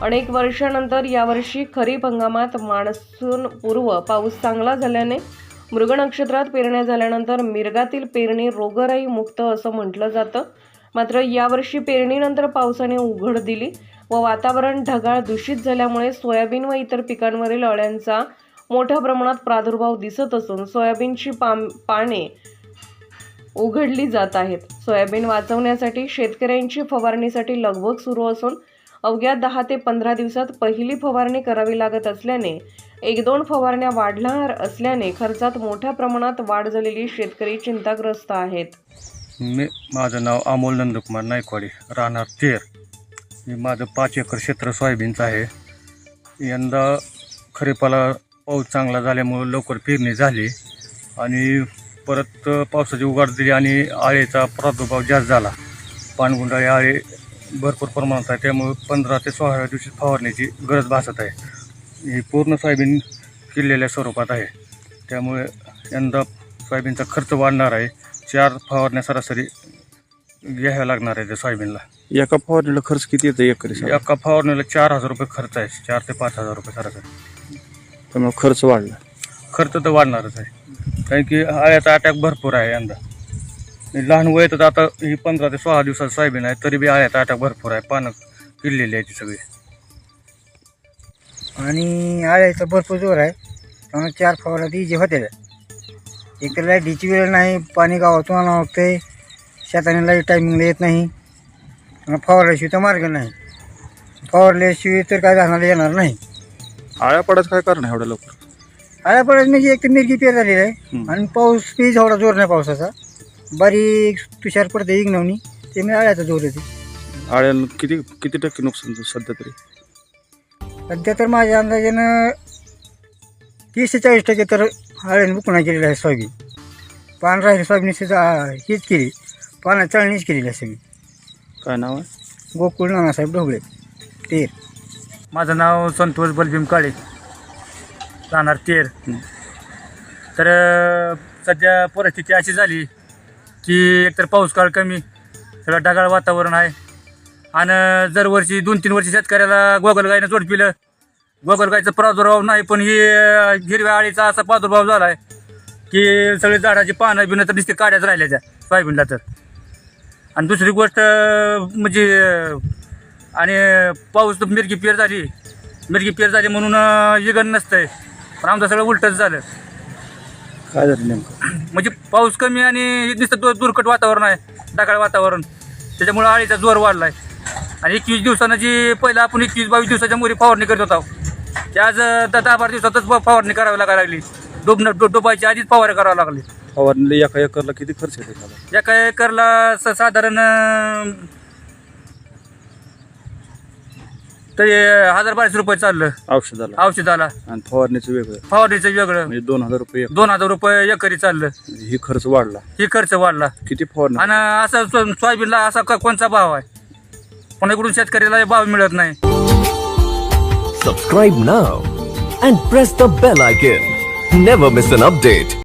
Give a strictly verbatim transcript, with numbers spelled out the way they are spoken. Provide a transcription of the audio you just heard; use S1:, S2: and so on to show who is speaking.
S1: अनेक वर्षानंतर यावर्षी खरीप हंगामात मान्सून पूर्व पाऊस चांगला झाल्याने मृग नक्षत्रात पेरण्या झाल्यानंतर मिरगातील पेरणी रोगराई मुक्त असं म्हटलं जातं. मात्र यावर्षी पेरणीनंतर पावसाने उघड दिली व वातावरण ढगाळ दूषित झाल्यामुळे सोयाबीन व इतर पिकांवरील अळ्यांचा मोठ्या प्रमाणात प्रादुर्भाव दिसत असून सोयाबीनची पाने उघडली जात आहेत. सोयाबीन वाचवण्यासाठी शेतकऱ्यांची फवारणीसाठी लगबग सुरू असून अवघ्या दहा ते पंधरा दिवसात पहिली फवारणी करावी लागत असल्याने एक दोन फवारण्या वाढणार असल्याने खर्चात मोठ्या प्रमाणात वाढ झालेली शेतकरी चिंताग्रस्त आहेत.
S2: मी माझं नाव अमोल नंदकुमार नायकवाडी, राहणार तेर. मी माझं पाच एकर क्षेत्र सोयाबीनचं आहे. यंदा खरीपाला पाऊस चांगला झाल्यामुळं लवकर पेरणी झाली आणि परत पावसाची उघाड दिली आणि आळेचा प्रादुर्भाव जास्त झाला. पानगुंडाळी आळे भरपूर प्रमाणात आहे, त्यामुळे पंधरा ते सोळाव्या दिवशी फवारण्याची गरज भासत आहे. ही पूर्ण सोयाबीन किल्लेल्या स्वरूपात आहे, त्यामुळे यंदा सोयाबीनचा खर्च वाढणार आहे. चार फवारण्या सरासरी घ्याव्या लागणार आहे त्या सोयाबीनला.
S3: एका फवारणीला खर्च किती येतो एकरी?
S2: एका फवारणीला चार हजार रुपये खर्च आहे, चार ते पाच हजार रुपये सरासरी.
S3: त्यामुळे खर्च वाढला.
S2: खर्च तर वाढणारच आहे, कारण की आळ्याचा अटॅक भरपूर आहे यंदा. लहान वयातच आता ही पंधरा ते सोळा दिवसात सोयाबीन आहे, तरी बी आळ्याचा अटॅक भरपूर आहे. पानं किडलेली आहे ती सगळी
S4: आणि आळ्याचा भरपूर जोर आहे. त्यामुळे चार फवारा ती जे होते एक तर लाईटीची वेळ नाही, पाणी गावातून आणावं लागते, शेताने लाईट टायमिंगला येत नाही, फवारल्याशिवाय तर मार्ग नाही. फवारल्याशिवाय तर काय झाडाला येणार नाही.
S3: आळ्या पडायचं काय कारण आहे एवढ्या लवकर?
S4: आळ्या पडायचं म्हणजे एक तर मिरगी पेर झालेली आहे आणि पाऊस बी जेवढा जोर नाही पावसाचा, बारीक तुषार पडते इग्नवणी, ते मी आळ्याचा जोर येते.
S3: आळ्याला किती किती टक्के नुकसान सध्या तरी?
S4: सध्या तर माझ्या अंदाजानं तीस ते चाळीस टक्के तर आळ्याने बुकणा केलेला आहे सोयाबीन. पान राहिली सोयाबीन हीच केली, पाना चळणीच केलेली आहे सगळी.
S3: काय नाव आहे?
S4: गोकुळ नानासाहेब ढोबळे, तेर.
S5: माझं नाव संतोष बलभीम काळे, राहणार तेर. तर सध्या परिस्थिती अशी झाली की एकतर पाऊस काळ कमी, सगळं ढगाळ वातावरण आहे आणि दरवर्षी दोन तीन वर्षी शेतकऱ्याला गोगलगायनं जोड पिलं. गोगलगायचा प्रादुर्भाव नाही, पण ही हिरव्या आळीचा असा प्रादुर्भाव झाला आहे की सगळे झाडाची पानं बिनं तर नुसते काड्याच राहिल्या त्या सोयाबीनला. तर आणि दुसरी गोष्ट म्हणजे आणि पाऊस तर मिरगी पेर झाली मिरगी पेर झाली म्हणून इगन नसतंय, पण आमचं सगळं उलटच झालं.
S3: काय झालं नेमकं?
S5: म्हणजे पाऊस कमी आणि नुसतं दु दुर्कट वातावरण आहे, ढगाळ वातावरण, त्याच्यामुळं आळीचा जोर वाढला आहे. आणि एकवीस दिवसानं जी पहिलं आपण एकवीस बावीस दिवसाच्या मुली फवारणी करत होतो, ते आज दहा बारा दिवसातच फवारणी करावी लागायला लागली. डोबणं डो डोबायची आधीच फवारणी करावं लागली.
S3: फवारणीला एका एकरला किती खर्च येतो?
S5: एका एकरला स साधारण तरी हजार बाराशे रुपये चाललं
S3: औषधाला.
S5: औषधाला
S3: आणि फवारणीचं वेगळं,
S5: फवारणीचं वेगळं,
S3: म्हणजे दोन हजार रुपये
S5: दोन हजार रुपये एकरी चाललं.
S3: ही खर्च वाढला.
S5: ही खर्च वाढला.
S3: किती फवारणी?
S5: आणि असा सोयाबीनला असा कोणचा भाव आहे, कोणाकडून शेतकऱ्याला भाव मिळत नाही.
S6: Subscribe now and press the bell icon. Never miss an update.